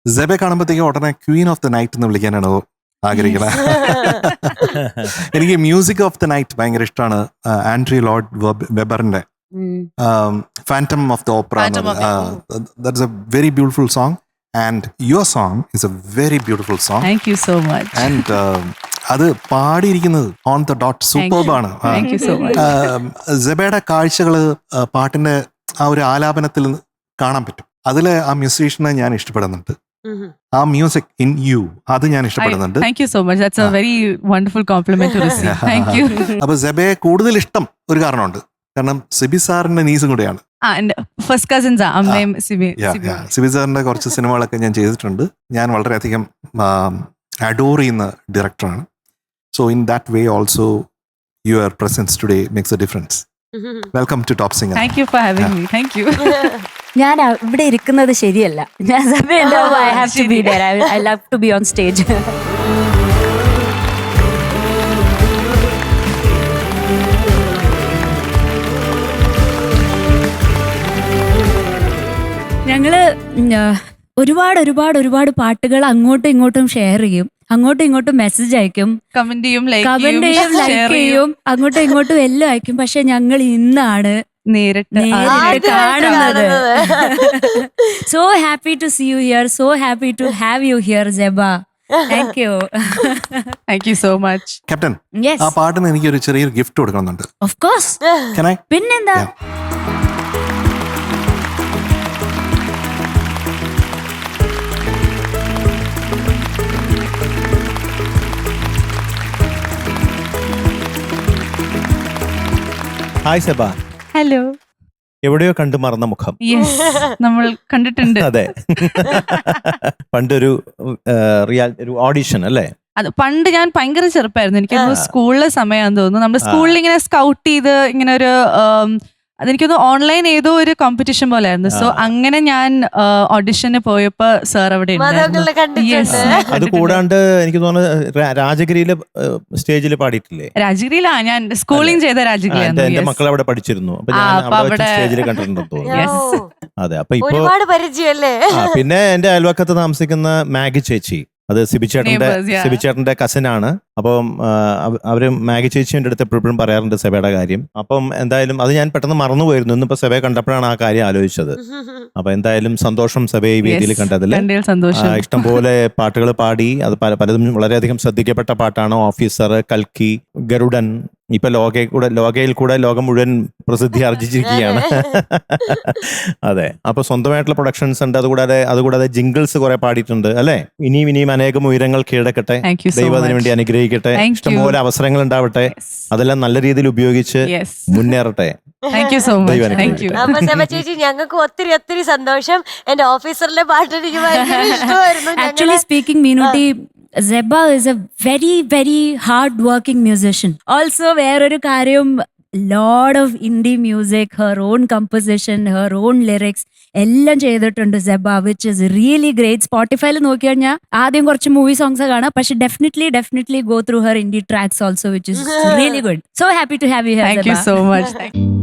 സെബെ കാണുമ്പോഴത്തേക്കും ഉടനെ Queen of the night എന്ന് വിളിക്കാനാണ് ആഗ്രഹിക്കുന്നത്. എനിക്ക് മ്യൂസിക് ഓഫ് ദ നൈറ്റ് ഭയങ്കര ഇഷ്ടമാണ്. ആൻഡ്രി ലോർഡ് വെബറിന്റെ phantom of the opera. That's a very beautiful song and your song is a very beautiful song. Thank you so much. And അത് പാടിയിരിക്കുന്നത് on the dot സൂപ്പർബാണ്. സെബയുടെ കാഴ്ചകള് പാട്ടിന്റെ ആ ഒരു ആലാപനത്തിൽ കാണാൻ പറ്റും. അതില് ആ മ്യൂസീഷ്യനെ ഞാൻ ഇഷ്ടപ്പെടുന്നുണ്ട്. ആ മ്യൂസിക് ഇൻ യു അത് ഞാൻ ഇഷ്ടപ്പെടുന്നുണ്ട്. Thank you so much. That's a very wonderful compliment to receive. Thank you. അപ്പൊ സെബയെ കൂടുതൽ ഇഷ്ടം ഒരു കാരണമുണ്ട്, കാരണം സിബി സാറിന്റെ നീസും കൂടെയാണ്. ഫസ്റ്റ് കസിൻസ് അമ്മയും സിബി. സിബി സാറിന്റെ കുറച്ച് സിനിമകളൊക്കെ ഞാൻ ചെയ്തിട്ടുണ്ട്. ഞാൻ വളരെയധികം അഡോർ ചെയ്യുന്ന ഡയറക്ടറാണ്. So in that way also your presence today makes a difference. Welcome to top singer. Thank you for having me. Thank you. ഞാൻ ഇവിടെ ഇരിക്കുന്നത് ശരിയല്ല. I have to be there. I love to be on stage. ഞങ്ങള് ഒരുപാട് പാട്ടുകൾ അങ്ങോട്ടും ഇങ്ങോട്ടും share ചെയ്യും, അങ്ങോട്ടും ഇങ്ങോട്ടും മെസ്സേജ് അയക്കും, കമന്റ് ചെയ്യും, ലൈക്ക് ചെയ്യും, അങ്ങോട്ടും ഇങ്ങോട്ടും എല്ലാം അയക്കും. പക്ഷെ ഞങ്ങൾ ഇന്നാണ് നേരിട്ട് കാണുന്നത്. So happy to see you here, so happy to have you here Zeba. Thank you. Thank you so much. Captain, ആ പാട്ടിന് എനിക്ക് ഒരു ചെറിയൊരു ഗിഫ്റ്റ് കൊടുക്കണമെന്നുണ്ട്. Of course. പിന്നെന്താ? ഹായ് സെബ. ഹലോ. എവിടെയോ കണ്ടു മറന്ന മുഖം. നമ്മൾ കണ്ടിട്ടുണ്ട്. അതെ, പണ്ടൊരു ഒരു ഓഡിഷൻ അല്ലേ? അത് പണ്ട് ഞാൻ ഭയങ്കര ചെറുപ്പമായിരുന്നു. എനിക്കൊന്ന് സ്കൂളിലെ സമയമാണെന്ന് തോന്നുന്നു. നമ്മുടെ സ്കൂളിൽ ഇങ്ങനെ സ്കൗട്ട് ചെയ്ത് ഇങ്ങനെ ഒരു അതെനിക്കൊന്ന് ഓൺലൈൻ ഏതോ ഒരു കോമ്പറ്റീഷൻ പോലെ ആയിരുന്നു. സോ അങ്ങനെ ഞാൻ ഓഡിഷന് പോയപ്പോ സാർ അവിടെ അത് കൂടാണ്ട് എനിക്ക് തോന്നുന്നു രാജഗിരിയില് സ്റ്റേജിൽ പാടിയിട്ടില്ലേ? രാജഗിരിയിലാ ഞാൻ സ്കൂളിംഗ് ചെയ്ത രാജഗിരി. എന്റെ മക്കൾ അവിടെ പഠിച്ചിരുന്നു. അപ്പൊ ഞാൻ സ്റ്റേജിൽ കണ്ടിട്ടുണ്ടെന്ന് തോന്നുന്നു. അതെ, അപ്പൊ ഇപ്പൊ പിന്നെ എന്റെ അയൽവക്കത്ത് താമസിക്കുന്ന മാഗി ചേച്ചി, അത് സിബിച്ചേട്ടന്റെ കസിനാണ്. അപ്പം അവര് മാഗി ചേച്ചിയുടെ അടുത്ത് എപ്പോഴും പറയാറുണ്ട് സെബയുടെ കാര്യം. അപ്പം എന്തായാലും അത് ഞാൻ പെട്ടെന്ന് മറന്നുപോയിരുന്നു. ഇന്നിപ്പോ സെബയെ കണ്ടപ്പോഴാണ് ആ കാര്യം ആലോചിച്ചത്. അപ്പൊ എന്തായാലും സന്തോഷം സെബയെ ഈ വേദിയിൽ കണ്ടതിൽ. ഇഷ്ടംപോലെ പാട്ടുകൾ പാടി, അത് പലതും വളരെയധികം ശ്രദ്ധിക്കപ്പെട്ട പാട്ടാണ്. ഓഫീസർ, കൽക്കി, ഗരുഡൻ, ഇപ്പൊ ലോകയിൽ കൂടെ ലോകം മുഴുവൻ പ്രസിദ്ധി ആർജിച്ചിരിക്കുകയാണ്. അതെ, അപ്പൊ സ്വന്തമായിട്ടുള്ള പ്രൊഡക്ഷൻസ് ഉണ്ട്. അതുകൂടാതെ ജിംഗിൾസ് കുറെ പാടിയിട്ടുണ്ട് അല്ലെ? ഇനിയും അനേകം ഉയരങ്ങൾ കീഴടക്കട്ടെ, ദൈവം അതിനു വേണ്ടി അനുഗ്രഹിക്കട്ടെ, ഇഷ്ടംപോലെ അവസരങ്ങൾ ഉണ്ടാവട്ടെ, അതെല്ലാം നല്ല രീതിയിൽ ഉപയോഗിച്ച് മുന്നേറട്ടെ. ചേച്ചി, ഞങ്ങൾക്ക് ഒത്തിരി സന്തോഷം. എന്റെ ഓഫീസറിലെ പാട്ട് എനിക്ക് ഭയങ്കര ഇഷ്ടമായിരുന്നു. Actually speaking, Meenutty, Zeba is a very hard working musician. Also, വേറൊരു കാര്യം, lot of indie music, her own composition, her own lyrics എല്ലാം ചെയ്തിട്ടുണ്ട് സെബ, which is really great. സ്പോട്ടിഫൈയിൽ നോക്കി കഴിഞ്ഞാൽ ആദ്യം കുറച്ച് മൂവി സോങ്സ് കാണാം, പക്ഷെ definitely go through her indie tracks also, which is really good. So happy to have you here, Thank you so much.